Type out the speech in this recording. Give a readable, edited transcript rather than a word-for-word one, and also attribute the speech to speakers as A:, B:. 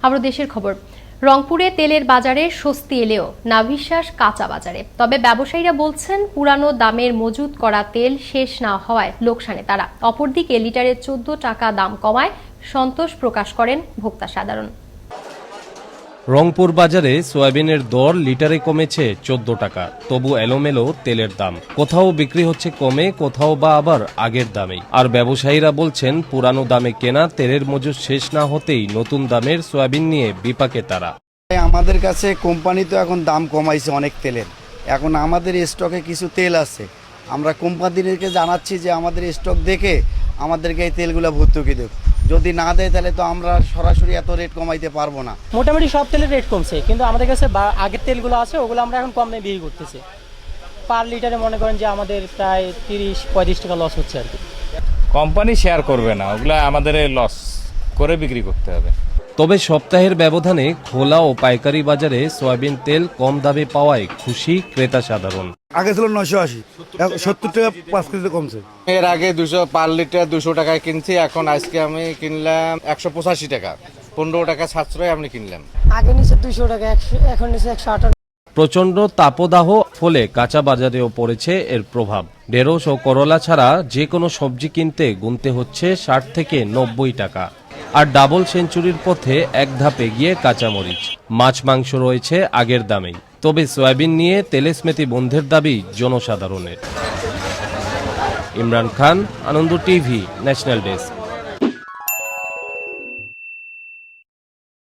A: আবার দেশের খবর। রংপুরে তেলের বাজারে স্বস্তি এলেও নাভিশ্বাস কাঁচা বাজারে। তবে ব্যবসায়ীরা বলছেন পুরানো দামের মজুত করা তেল শেষ না হওয়ায় লোকসানে তারা। অপরদিকে লিটারে 14 টাকা দাম কমায় সন্তোষ প্রকাশ করেন ভোক্তা সাধারণ।
B: রংপুর বাজারে সয়াবিনের দর লিটারে কমেছে 14 টাকা। তবু এলোমেলো তেলের দাম, কোথাও বিক্রি হচ্ছে কমে, কোথাও বা আবার আগের দামেই। আর ব্যবসায়ীরা বলছেন পুরানো দামে কেনা তেলের মজুত শেষ না হতেই নতুন দামের সয়াবিন নিয়ে বিপাকে তারা।
C: আমাদের কাছে কোম্পানি তো এখন দাম কমাইছে অনেক তেলের। এখন আমাদের স্টকে কিছু তেল আছে, আমরা কোম্পানিদেরকে জানাচ্ছি যে আমাদের স্টক দেখে আমাদেরকে এই তেলগুলো ভর্তুকি দেব। যদি না দেয় তাহলে তো আমরা সরাসরি এত রেট কমাইতে পারবো না।
D: মোটামুটি সব তেলের রেট কমছে, কিন্তু আমাদের কাছে আগের তেলগুলো আছে ওগুলো আমরা এখন কম দামে বিক্রি করতেছি। পার লিটারে মনে করেন যে আমাদের প্রায় 30-35 টাকা লস হচ্ছে আর কি।
E: কোম্পানি শেয়ার করবে না, ওগুলা আমাদের লস করে বিক্রি করতে হবে।
B: তবে সপ্তাহের ব্যবধানে খোলা ও পাইকারি বাজারে সয়াবিন তেল কম দামে পাওয়ায় খুশি ক্রেতা সাধারণ।
F: আগে ছিল 980, 70 টাকা 5 কেজি কমছে।
E: এর আগে 200 পার লিটার 200 টাকায় কিনছি, এখন আজকে আমি কিনলাম 185 টাকা, 15 টাকা সাশ্রয় আমি কিনলাম।
D: আগে নিচে 200 টাকা, এখন নিচে 158।
B: প্রচণ্ড তাপদাহ ফলে কাঁচা বাজারেও পড়েছে এর প্রভাব। ঢেঁড়স ও করলা ছাড়া যে কোনো সবজি কিনতে গুনতে হচ্ছে 60 থেকে 90 টাকা। আর ডাবল সেঞ্চুরির পথে এক ধাপ এগিয়ে কাঁচামরিচ। মাছ মাংস রয়েছে আগের দামেই। তবে সয়াবিন নিয়ে তেলস্মেতি বন্ধের দাবি জনসাধারণের। Imran Khan, Ananda TV, national desk.